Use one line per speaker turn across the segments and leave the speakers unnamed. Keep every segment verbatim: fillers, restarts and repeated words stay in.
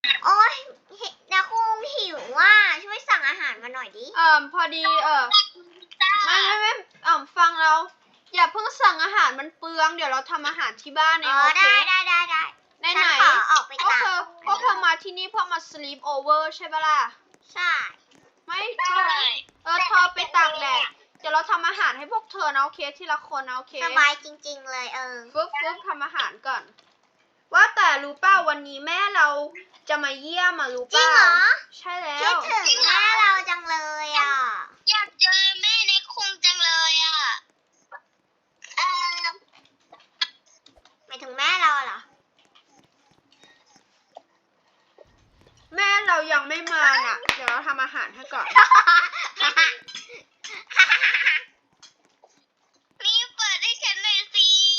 โอ๊ยนะคงหิวว่าช่วยสั่งอาหารมาหน่อยดิ
เอ่อพอดีเออไม่ไม่ไม่เอ่อฟังเราอย่าเพิ่งสั่งอาหารมันเปลืองเดี๋ยวเราทำอาหารที่บ้านเอง
อ๋อ
โอเค
ได้ได้ได้ได้
ไหน
ฉัน
ไหน
ขอออกไป
พวก
ตาก
เธอพวกเธอมาที่นี่เพื่อมา sleep over ใช่ปะล่ะ
ใช่
ไม่เออเธอไปตากแดดเดี๋ยวเราทำอาหารให้พวกเธอนะโอเคทีละคนนะโอเค
สบายจริงๆเลยเออ
ฟึบฟึบทำอาหารก่อน ว่าแต่รู้เปล่าวันนี้แม่เราจะมาเยี่ยมมารู้เป
จริง
ล่า
เหรอ
ใช่แล้
คิด
ว
ถึงแม่เราจังเลยอ่ะ
อยากเจอแม่ในคุงจังเลยอ่ะเออ
หมายถึงแม่เราเหรอ
แม่เรายังไม่มาน่ะ เดี๋ยวเราทำอาหารให้ก่อน
นี่เปิดให้ฉันหน่อยสิ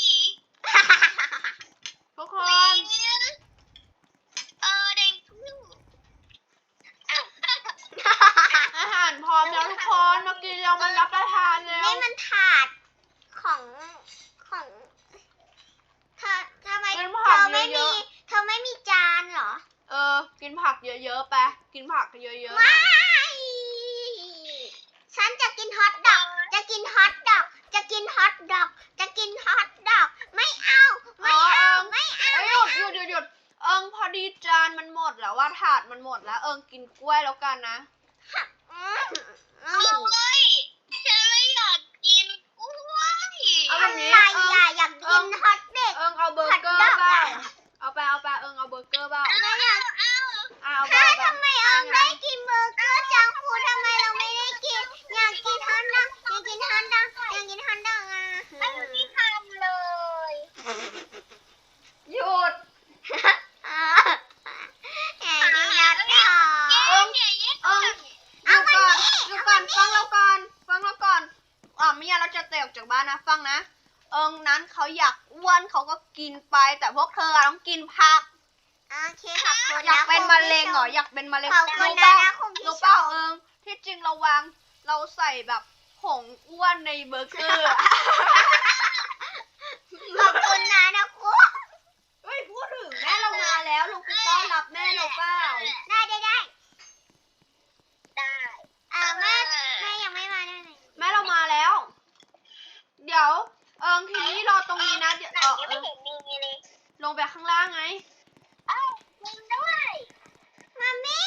ทุกคน
เออแดงพู่อ้าว
อาหารพร้อมแล้วทุกคนมากินเรามารับประทานแล้ว
นี่มันถาดของของเธอทำไม
เป็น
เธ
ผัก
อไม่
เย
มี
อะ
เธอไม่มีจานเหรอ
ๆเออ กินผักเยอะๆไปกินผักเยอะๆหน่
ไม่
อย
ฉันจะกินฮอทดอก จะกินฮอทดอก จะกินฮอทดอก จะกินฮอทดอก ไม่เอา ไม่เอา ไม่เอา
เอ้ยหยุดหยุดหยุดหยุดเอิงพอดีจานมันหมดแล้วว่าถาดมันหมดแล้ว เอิงกินกล้วยแล้วกันนะ
อืมอื
โอ้
ม
ยฉันไม่อยากกินกล้วย
เอาแบบนี้
อะไรอ่ะอยากกินฮอทเด็ก
เอิงเอาเบอร์เกอร์
ผัดดอก
เปล่า
อะ
เอาไปเอาไปเอิงเอาเบอร์เกอร์เปล่า
เอาเอาเอา
อ่ะเอาไป
ถ้า
เอาไป
ทำไมเอิงได้กินเบอร์เกอร์จังฟูดทำไมเราไม่ได้กิน อยากกินฮอทดอกอยากกินฮอทดอกอยากกินฮอทดอกอ่ะ
ไม่ได้ทำเลย
หยุด
อ่าอยากกินฮอทดอก
เอิง
อย่าแยก
เอิงหยุดก่อนหยุดก่อนฟังเราก่อนฟังเราก่อนอ่ะไม่งั้นเราจะเตะออกจากบ้านนะฟังนะ เอิงนั้นเขาอยากอ้วนเขาก็กินไปแต่พวกเธออะต้องกินผัก
โอเคขอบคุณ
อยาก
นะ
เป็น
คุณ
มะ
ผู้
เร็ง
ช
เหรออยากเป็นมะเร็ง
ขอบคุณ
รู้
นะ
เปล่า
นะคุณผู้
รู้
ช
เปล่าม เอิงที่จริงเราวางเราใส่แบบผงอ้วนในเบอร์เกอร์อะ
ขอบคุณนะนะคุณ
เฮ้ยพูดถึงแม่เรามาแล้วลงไปต้อนรับแม่เราเปล่า
ได้ได้ได้
ได้
เออแม่แม่ยังไม่มาได้ไหม
แม่เรามาแล้ว เดี๋ยวเอิงทีนี้รอตรงนี้นะเดี๋ยว
หนั
เอง อ
ยัง
เอ
ไม่
อ
เห็นมีเลย
ลงไปข้างล่างไง
เอ้าจริงด้วย
มามี่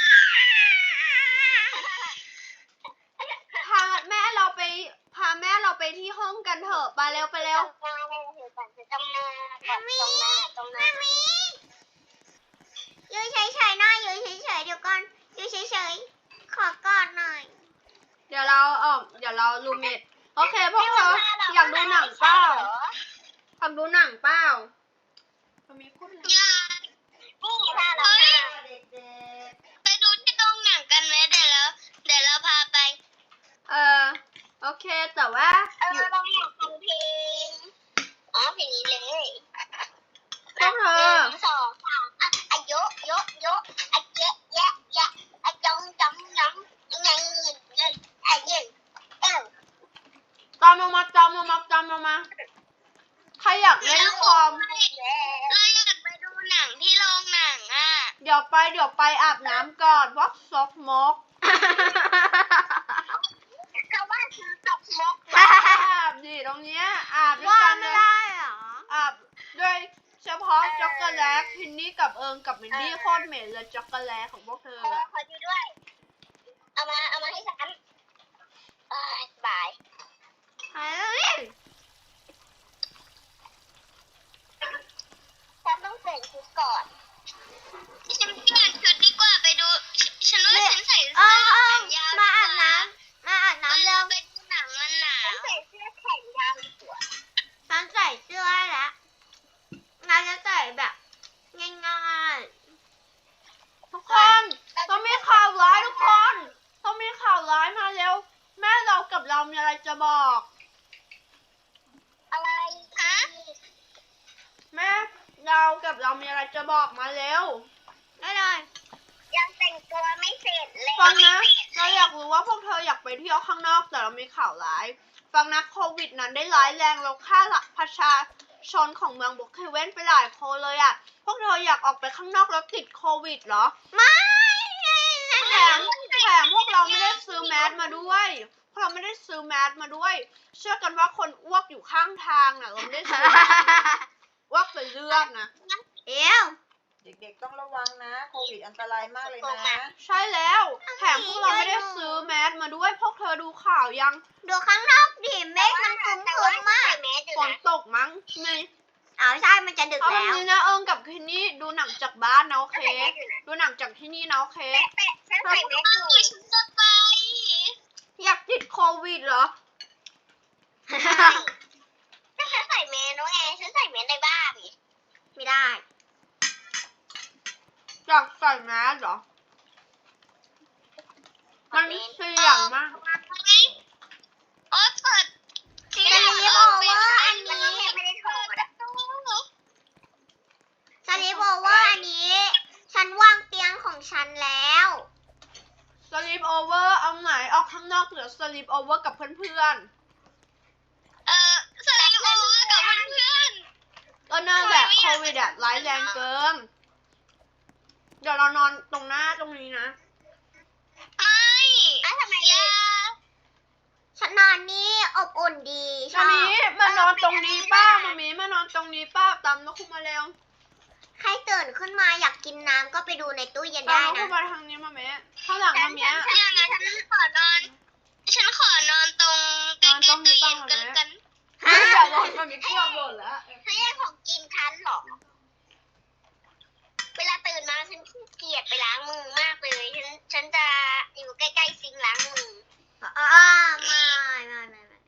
พาแม่เราไปพาแม่เราไปที่ห้องกันเถอะไปเร็วไปเร็ว
จำหน้าได้เลยก่อนจะจำหน้าก่อนจำหน้าจำหน้า
มามี่อยู่เฉยๆหน่อยอยู่เฉยๆเดี๋ยวก่อนอยู่เฉยๆขอกอดหน่อย
เดี๋ยวเราเออเดี๋ยวเรารูเมทโอเคพวกเธออยากดูหนังเปล่าอยากดูหนังเปล่าเรามีพูดเลย
อย่านี่ถ้าเราไปดูที่โรงหนังกันไหมเดี๋ยวเราเดี๋ยวเราพาไป
เออโอเคแต่ว่า
เอ
อยู่
อเราอยากฟังเพลงอ๋อเพลงนี้เลย
พวกเธ
ห
อ
นึ่งสองสามอ่ะอ่ะโยะโยะโยะอ่ะเยะแยะแยะอ่ะจงจำจำยังไงเงินเงินอ่ะเงินเอ้า
ตามมามาตามมามาตามมามาใครอยากเล่นคอม
เราอยากไปดูหนังที่โรงหนังอ่ะ
เดี๋ยวไปเดี๋ยวไปอาบน้ำก่อนวักซอกมก
เขาว่าคือตกมก
อาบดิตรงเนี้ยอาบด้วย
ว่า
กันเล
ไม่
ย
ได้เหรอ
อาบด้วยเฉพาะช็อกโกแลตพินนี่กับเอิงกับมินดี้โคตรเหม็นเลยช็อกโกแลตของพวกเธอ
ขอ
อะ
ขอดูด้วย เอามาเอามาให้ฉันเอ้ยบาย
เฮ้ย
ฉันต้องเปลี่ยนชุดก่อนฉันเปลี่ยนชุดดีกว่าไปดู ฉันว่าฉันใส่
เอ
เสื้อ
อเอ
แข
อน
ยาว
มาอาบน้ำมาอาบน้ำเร็ว
ไปดูหนังมันหนาวฉันใส่เสื้อแขนยาวดีกว่า
ฉันใส่เสื้อให้แล้วเราจะใส่แบบง่าย
ทุกคนต้องมีข่าวร้ายทุกคนต้องมีข่าวร้ายมาเร็วแม่เรากับเรามีอะไรจะบอก
อะไรฮะ
แม่เรากับเรามีอะไรจะบอกมาเร็ว
ๆได้เลย
ยังแต่งตัวไม่เสร็จเลย
ฟังนะเราอยากรู้ว่าพวกเธออยากไปเที่ยวข้างนอกแต่เรามีข่าวร้ายฟังนะโควิดนั้นได้ร้ายแรงเราฆ่าประชาชนของเมืองบุกเคเว่นไปหลายคนเลยอ่ะพวกเธออยากออกไปข้างนอกแล้วติดโควิดเหรอ
ไม่
แถมแถมพวกเราไม่ได้ซื้อแมสมาด้วยพวกเราไม่ได้ซื้อแมสมาด้วย เชื่อกันว่าคนอ้วกอยู่ข้างทางน่ะเราไม่ได้ซื้อแมสอ้วกเป็นเลือดนะ
เดี๋ยว
เด็กๆต้องระวังนะโควิดอันตรายมากเลยนะ
ใช่แล้วแถมพวกเราไม่ได้ซื้อแมสมาด้วยพวกเธอดูข่าวยัง
ดูข้างนอกดิเมฆมันครึ้ม
แต่
ๆ
ว่า
มาก
ใส่แมสอยู่
ฝน
นะ
ตกมั้งไม่
อ้าวใช่มันจะดึก
เอาแบบ
แล้ว
นี้นะเอิงกับคินนี่ดูหนังจากบ้านนะโอเค
ใส่แมสอยู่นะ
ดูหนังจากที่นี่นะโอเค
แปะฉันใส่แมสอยู่ฉันจะไป
อยากติดโควิดเหรอ
ถ้าฉันใส่แมสน้องแอร์ฉันใส่แมสในบ้าน
ไม่ได้
อยากใส่แมสเหรอมันเสี่ยงมาก
โอ๊ยเปิด
ที่ไหนบอกว่าอันนี้
ไม่ได้โทรนะ
สลีปโอเวอร์อันนี้ ฉันวางเตียงของฉันแล้ว
สลีปโอเวอร์เอาไหนออกข้างนอกหรือสลีปโอเวอร์กับเพื่อน
เออสลิปโอเวอร์กับเพื่อน
ๆก็นั่นแหละโควิดอะร้ายแรงเกิน เดี๋ยวเรานอนตรงหน้าตรงนี้นะ
ๆไม่อ่ะทำไมยา
ฉันนอนนี่อบอุ่นดีช
มา
อบ
มีมานอนตรงนี้ป้ามามีมานอนตรงนี้ป้าตามนกคุมาเร็ว
ใครตื่นขึ้นมาอยากกินน้ำก็ไปดูในตู้เย็น
ตาม
ได้
นกคุ
นะ
มาทางนี้มาแม่ข้างหลัง
ฉั
มาน เมีย
ฉันอย่างนั้นฉันขอนอน ฉันขอนอนตรงใกล้ๆตู้เย็นกันกัน
ฮะ
อย่าหล่นมามีเกือบหล่นแล้ว
ให้ได้ของกินฉันหรอ เวลาตื่นมาฉันขี้เกียจไปล้างมือมากเลย ฉันฉันจะอยู่ใกล้ๆซิงค์ล้างมือ
อ่าไม่ไม่ไม่ไม่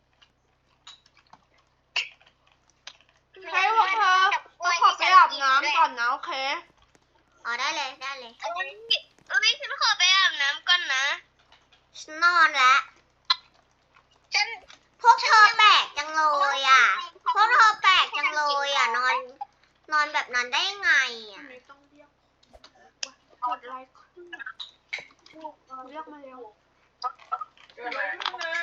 ให้พวกเธอเราขอไปอาบน้ำก่อนนะโอเค
อ๋อได้เลยได้เลย
เอ้ยเอ้ยฉันขอไปอาบน้ำก่อนนะ
ฉันนอนแล้ว
ฉัน
พวกเธอแปลกจังเลยอ่ะ พวกเธอแปลกจังเลยอ่ะ นอน นอนแบบนั้นได้ยังไงอ่ะ
ไม่ต้องเรียกกดไลค์ขึ้นเรียกมาเร็ว
เกิดอะไรขึ้นมา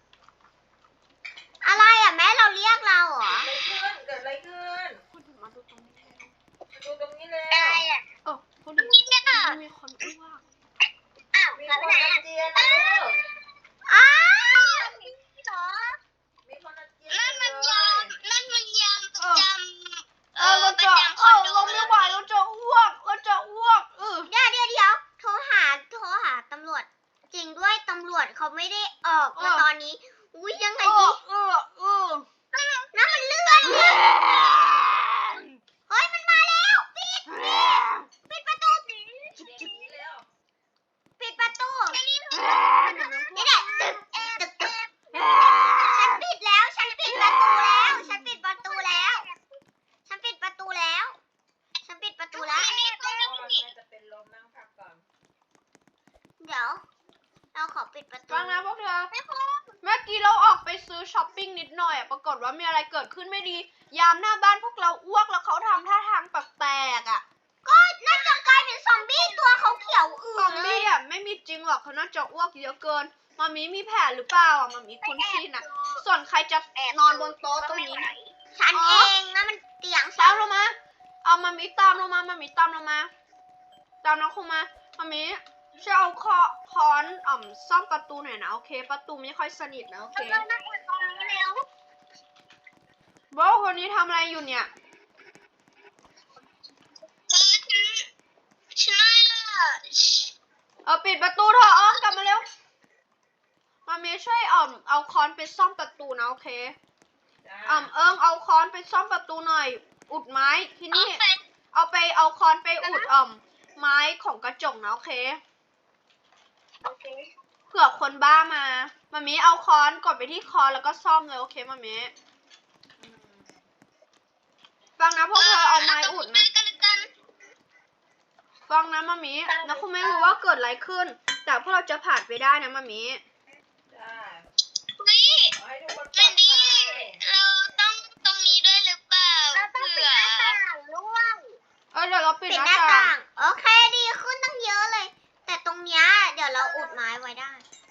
อะไรอ่ะแม่เราเรียกเราเหรอ
เกิดอะไรขึ้น
พูดถึงมาดูตรงนี้
มาดูตรงนี้เลย
อะไรอ่ะ
เออพูดถึง
นี่เนี่ย
มีคนอ้วก
อ้าว
มี
มา
ค
ไป
น
ไหน
อา
อ่ะ
เจียนนะลูก
อ้าว
เหรอ
มีคนอาเจียน
นั่นมัน
เลย
ามนั่นมันยามประจำ
เออเราจะเออเราไม่ไหวเราจะอ้วกเราจะอ้วกเออ
เดี๋ยวเดี๋ยวเดี๋ยวโทรหา โทรหาตำรวจ จริงด้วยตำรวจเขาไม่ได้ออกมาตอนนี้ อุ้ยยังไง
เอ
ดี
อเออเออ
น้ำมันเลือดเนี่ยเฮ้ยมันมาแล้ว ปิด ปิดประตู
เดี๋ยวนี้แล้ว
ปิดประตู นี่แหละตึกตึกตึก ฉันปิดแล้ว ฉันปิดประตูแล้ว ฉันปิดประตูแล้ว ฉันปิดประตูแล้ว ฉันปิดประตูแล้ว
พ่อแม่จะเป็นลมนั่งพักก่อน
เดี๋ยว เราขอปิดประตู
ฟังนะพวกเธอเมื่อกี้เราออกไปซื้อช้อปปิ้งนิดหน่อยอะปรากฏว่ามีอะไรเกิดขึ้นไม่ดี ยามหน้าบ้านพวกเราอ้วกแล้วเขาทำท่าทางแปลกๆอะ
ก็น่าจะกลายเป็นซอมบี้ตัวเขาเขียวอื่
ซอน ม
เล
บี้
ย
อะไม่มีจริงหรอกเขาน่าจะอ้วกเยอะเกินมามีมีแผลหรือเปล่าอะมามีคุ้นชินอะส่วนใครจะนอนบนโต๊ะตรงนี้นะ
ฉันเองนะมันเตียง
ตามลงมา เอามามีตามลงมามามีตามลงมา ตามน้องคงมามามีช่วยเอาคอค้อนอ่อมซ่อมประตูหน่อยนะโอเค ประตูไม่ค่อยสนิทนะโอเค
เรานั่งบนตรงนี้แล้ว
โบคนนี้ทำอะไรอยู่เนี่ย
เออฉันฉันน่า
เออปิดประตูเถอะอ้อมกลับมาเร็ว มามีช่วยอ่อมเอาค้อนไปซ่อมประตูนะโอเคอ่อมเอิงเอาค้อนไปซ่อมประตูหน่อย อุดไม้ที่นี่ เอาไปเอาค้อนไปอุดอ่อมไม้ของกระจกนะโอเค
โอเค
เผื่อคนบ้ามามามีเอาค้อนกดไปที่ค้อนแล้วก็ซ่อมเลยโอเคมามีฟังนะพวกเธอเอาไม้อุดนะ
กันกัน
ฟังนะมามีนะคุณไม่รู้ว่าเกิดอะไรขึ้น แต่พวกเราจะผ่านไปได้นะมามี
ได้
เฮ้ย
ขอให้ทุกคนปล
แม
อด
นดี้
ภัย
เราต้องตรงนี้ด้วยหรือเปล่าเราต้องปิดหน้าต่างร่วง
เออเดี๋ยวเราปิด
ปิด
ห
ห
น้า
น้า
ต่า
ต่าง ง โอเคดีขึ้นตั้งเยอะเลย แต่ตรงเนี้ยเดี๋ยวเราอุดไม้ไว้ได้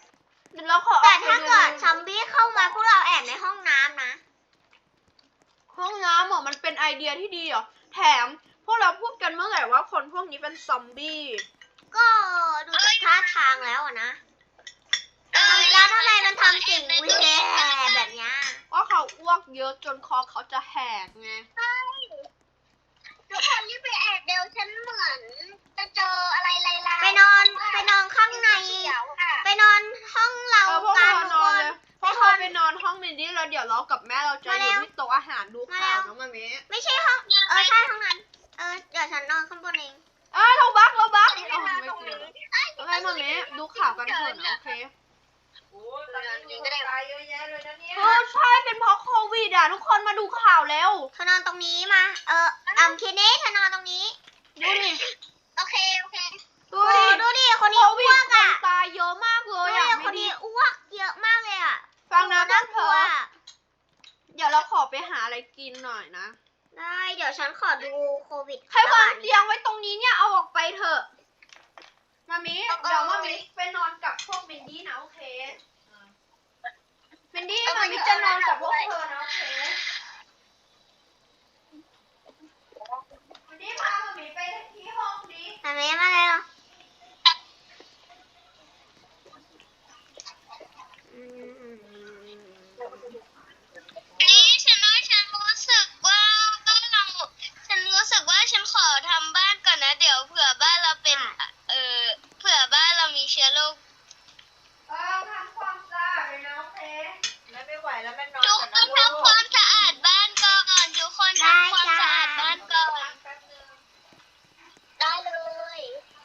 เดี๋ยวเราขออ
แต่
อกไป
ถ้า
ดู
เกิดซอมบี้เข้ามาพวกเราแอบในห้องน้ำนะ
คห้องน้ำเหรอมันเป็นไอเดียที่ดีเหรอแถมพวกเราพูดกันเมื่อไหร่ว่าคนพวกนี้เป็นซอมบี้
ก็ดูจากท่าทางแล้วอะนะแล้วทำไมมันทำสิ่งวิเศษแบบเนี้ย
ว่าเขาอ้วกเยอะจนคอเขาจะแหกไง
ใช่ทุกคนรีบไปแอบเดี๋ยวฉันเหมือนจะเจออะไรลายๆ
ไปนอนไปนอนข้างใน
เขียวค่ะ
ไปนอนห้องเรา
เออพวก
กัน
เรา
ทุก
น
ค
อน
น
เลยพวกเราไปนอนห้องมินดี้แล้วเดี๋ยวเรากับแม่เราจะ
มา
อ
แล้
ยู่
ว
ที่โต๊ะอาหารดูข่าวน้องมามิ
ไม่ใช่ห้องเออใช่ห้องนั้น เออเดี๋ยวฉันนอนข้างบนเอง
เออเราบักเราบัก
ไม่
อ๋อ
ได้
ไม่
ตรง
จริ
นี้
งโอเคมามิดูข่าวกันเถอะนะโอเค
โอ้ยตอนนี้มีคนตายเยอะแยะเลยนะเนี่ย
เออใช่เป็นเพราะโควิดอ่ะทุกคนมาดูข่าวแล้ว
เธอนอนตรงนี้มา เอออ่ำคิดนี้เธอนอนตรงนี้
ดูดิ
โอเคโอเค
ดู
โอ้
ดิ
ดูดิคน
โค
นี้
วิ
อ้
ด
วก
คน
อ่ะ
ตายเยอะมากเล
ดู
ย
ดิ
อ่ะ
คน
ไม่
นี้
ดี
อ้วกเยอะมากเลยอ่ะ
ฟังนะพว
น่าก
เธ
กลัว
อ เดี๋ยวเราขอไปหาอะไรกินหน่อยนะ
ได้เดี๋ยวฉันขอดูโควิด
ใครวาง
ระบด
เตียงไว้ตรงนี้เนี่ยเอาออกไปเถอะมามิเดี๋ยวมามิไปนอนกับพวกมินดี้นะโอเคมินดี้มามิจะนอนกับพวกเธอนะโอเคมินดี้พามามิไปที่ห้องนี้
มาเมมาเลยเหรออืม
นี่ฉันว่าฉันรู้สึกว่าบ้านเราฉันรู้สึกว่าฉันขอทำบ้านก่อนนะเดี๋ยวเผื่อบ้านเราเป็นเออเผื่อบ้านเรามีเชื้อโรค
เออทำความสะอาดเลยนะโอเค
แม่ไม่ไหวแล้วแม่นอน
ทุก
ก่อน
ค
นะ
น
ลูก
ทำความสะอาดบ้านก่อนทุกคนทำความสะอาดบ้านก่อน
แป๊บนึง
ได้เลย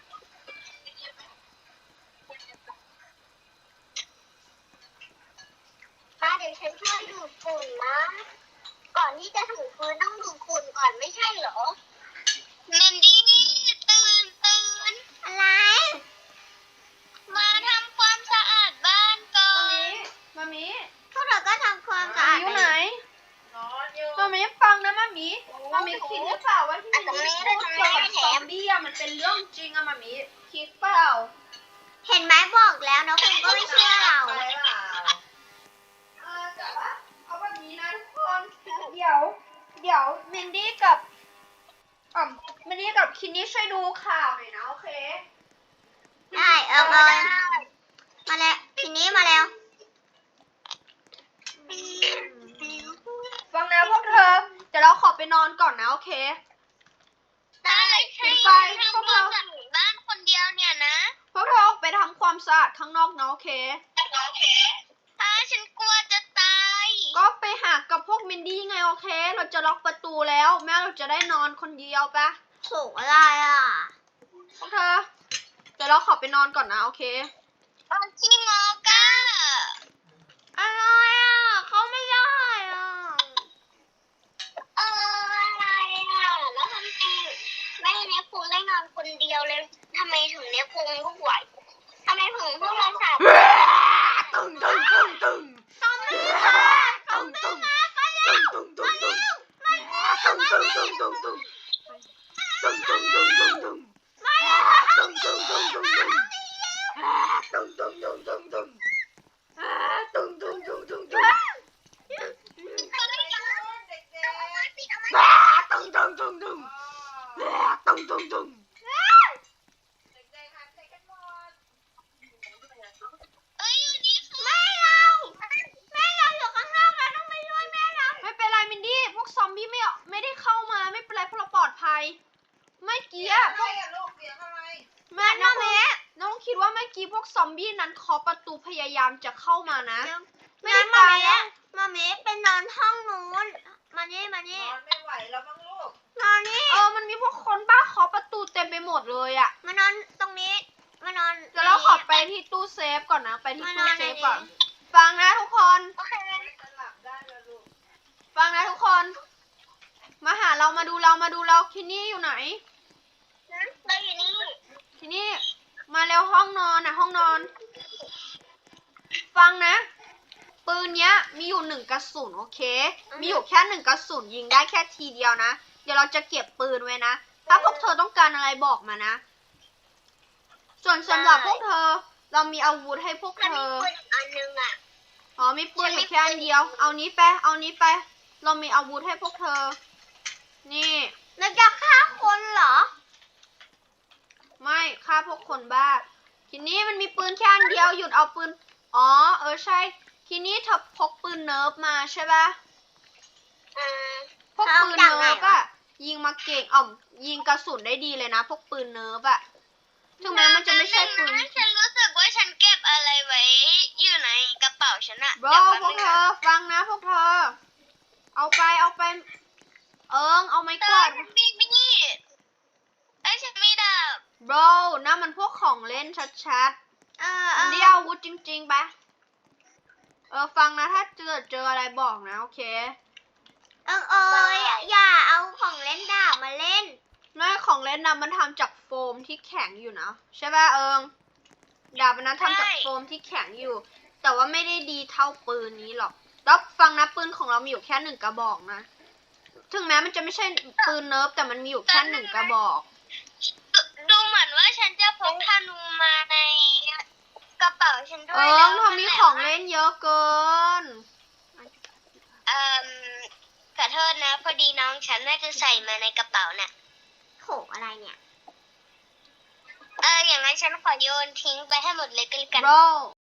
มาเดี๋ยวฉันช่วยดูดฝุ่นนะ ก่อนที่จะถูพื้นต้องดูดฝุ่นก่อนไม่ใช่เหรอเมนดี้ตื่นตื่น
อะไร
มาทำความสะอาดบ้านก่อ
มาน มิมามิ
พวกเราก็ทำความสะอาด
อยู่ไหน
นอนอยู่
มามิฟังนะมามิมามิคิดหรือเปล่าว่าที่มินดี้พูดเกี่ยวกับซอมบี้อะมันเป็นเรื่องจริงอะมามิคิดเปล่า
เห็นไหมบอกแล้วน้องคุณก็ไม่เชื่อเรา
ไปเปล่า
เออแต่ว่าเอาแบบนี้นะทุกคน เดี๋ยว เดี๋ยวมินดี้กับอ่อมินดี้กับคินนี่ช่วยดูข่าวหน่อยนะโอเค
ได้เออเออมาแล้วทีนี้มาแล้ว
ฟังนะพวกเธอ เดี๋ยวเราขอไปนอนก่อนนะโอเค
ได้ใช่
ปิดไฟ
ทำ
พวก
ควา
เรา
มสะอาดบ้านคนเดียวเนี่ยนะ
พวกเธอออกไปทำความสะอาดข้างนอกนะโอเค
ถ้าฉันกลัวจะตาย
ก็ไปหากับพวกมินดี้ไงโอเค เราจะล็อกประตูแล้ว แม่เราจะได้นอนคนเดียวปะ
ถูกอะไรอ่ะ
พวกเธอ เดี๋ยวเราขอไปนอนก่อนนะโอเค
ตอนที่งอก้า
อะไรอ่ะเขาไม่ได้อ่ะ
เอออะไรอ่ะแล้วทำไมแม่เนี่ยคงได้นอนคนเดียวเลยทำไมถึงเนี่ยคงลูกไหวทำไมถึงพวกเราสาม
ตึงตึงตึงตึง
ซอมบี้มาซอมบี้มาไปแล้ว
ตึงตึงตึง
มาแล้วมา
ตึง
แล้ว
ตึงตึงตึงตึงตึงตึงตึงตึง
มาแล้ว
ตึงตึงตึงตึงตึงตึงตึงตึงตึงตึงตึงตึงตึงตึงตึง
เขาไม่ยอม
เด็ก
เอามาปิดเอามา
ตึงตึงตึงตึง
ๆ
ตึงตึงตึง
เด็กๆหันใจกันหมด
เอ้ยอยู่นี่ค่ะ
แม่เราแม่เราอยู่ข้างนอกเราต้องไปช่วยแม่เรา
ไม่เป็นไรมินดี้พวกซอมบี้ไม่ไม่ได้เข้ามาไม่เป็นไรพวกเราปลอดภัยไม่เกี้ย
อะไรอะลูกเสียงอะไร
แม่น้องน้องคิดว่าเมื่อกี้พวกซอมบี้นั้นเคาะประตูพยายามจะเข้ามานะ ไม่ได้
งั้นมา
ตาย
เม
แล้ว
มาเมเป็นนอนห้องนู้น มานี่มานี่
นอนไม่ไหวแล้วมั้งลูก
นอนนี่
เออมันมีพวกคนบ้าเคาะประตูเต็มไปหมดเลยอะ
มานอนตรงนี้ มานอน
เดี๋ยวเราขอไปที่ตู้เซฟก่อนนะไปที่
มาน
ตู้
อน
เซ
ใน
ฟ
นี้
ก่อนฟังนะทุกคน
โอเค
จะหลับได้แล้วลูก
ฟังนะทุกคน มาหาเรามาดูเรามาดูเราคินี่อยู่ไหน
เราอยู่นี่
คินี่มาแล้วห้องนอนนะห้องนอน ฟังนะ ปืนเนี้ยมีอยู่หนึ่งกระสุนโอเค มีอยู่แค่หนึ่งกระสุนยิงได้แค่ทีเดียวนะ เดี๋ยวเราจะเก็บปืนไว้นะ ถ้าพวกเธอต้องการอะไรบอกมานะ ส่วนสำหรับพวกเธอ เรามีอาวุธให้พวก
ถ้า
เธ
มี
อ
ปืนอีกอันนึงอ่ะ
อ๋อมีปืนอยู่แค่อันเดียว เอานี้ไป เอานี้ไปเรามีอาวุธให้พวกเธอ นี่
แล้วจะฆ่าคนเหรอ
ไม่ฆ่าพวกคนบ้า ทีนี้มันมีปืนแค่อันเดียว หยุดเอาปืน อ๋อ เออใช่ ทีนี้เธอพกปืนเนิร์ฟมาใช่ปะ
อ่า
พวกปืนเนิร์ฟอะยิงมาเก่งอ่อมยิงกระสุนได้ดีเลยนะ พวกปืนเนิร์ฟอะถึงแม้มันจะไม่ใช่ปืน
ฉันรู้สึกว่าฉันเก็บอะไรไว้อยู่ในกระเป๋าฉันอะ
บรพวกเธอฟังนะพวกเธอ เอาไปเอาไป เอิงเอาไม้
เธ
ก
อ
วาด
ฉันมีมีดไอ้ยฉันมีดาบ
บรนั่นมันพวกของเล่นชัด
เออ
ๆ
เอ
อัน
อ
นี้อาวุธจริงๆปะเออฟังนะถ้าเจอเจออะไรบอกนะโอเค
เอิงเอ้ยอย่าเอาของเล่นดาบมาเล่น
น้อยของเล่นนะมันทำจากโฟมที่แข็งอยู่นะใช่ป่ะเอิงดาบอันนั้นทำจากโฟมที่แข็งอยู่ แต่ว่าไม่ได้ดีเท่าปืนนี้หรอกแล้วฟังนะปืนของเรามีอยู่แค่หนึ่งกระบอกนะถึงแม้มันจะไม่ใช่ปืนเนิร์ฟแต่มันมีอยู่แค่หนึ่งกระบอก
ดูดูเหมือนว่าฉันจะพกธนูมาในกระเป๋าฉันด้ว
เอิ
ยแล้ว
งเธอมีของเล่นเยอะเกิน
เอ่อขอโทษนะ พอดีน้องฉันน่าจะใส่มาในกระเป๋าน่ะ
โขอะไรเนี่ย
เอออย่างนั้นฉันขอโยนทิ้งไปให้หมดเลยก็แล้วกัน
bro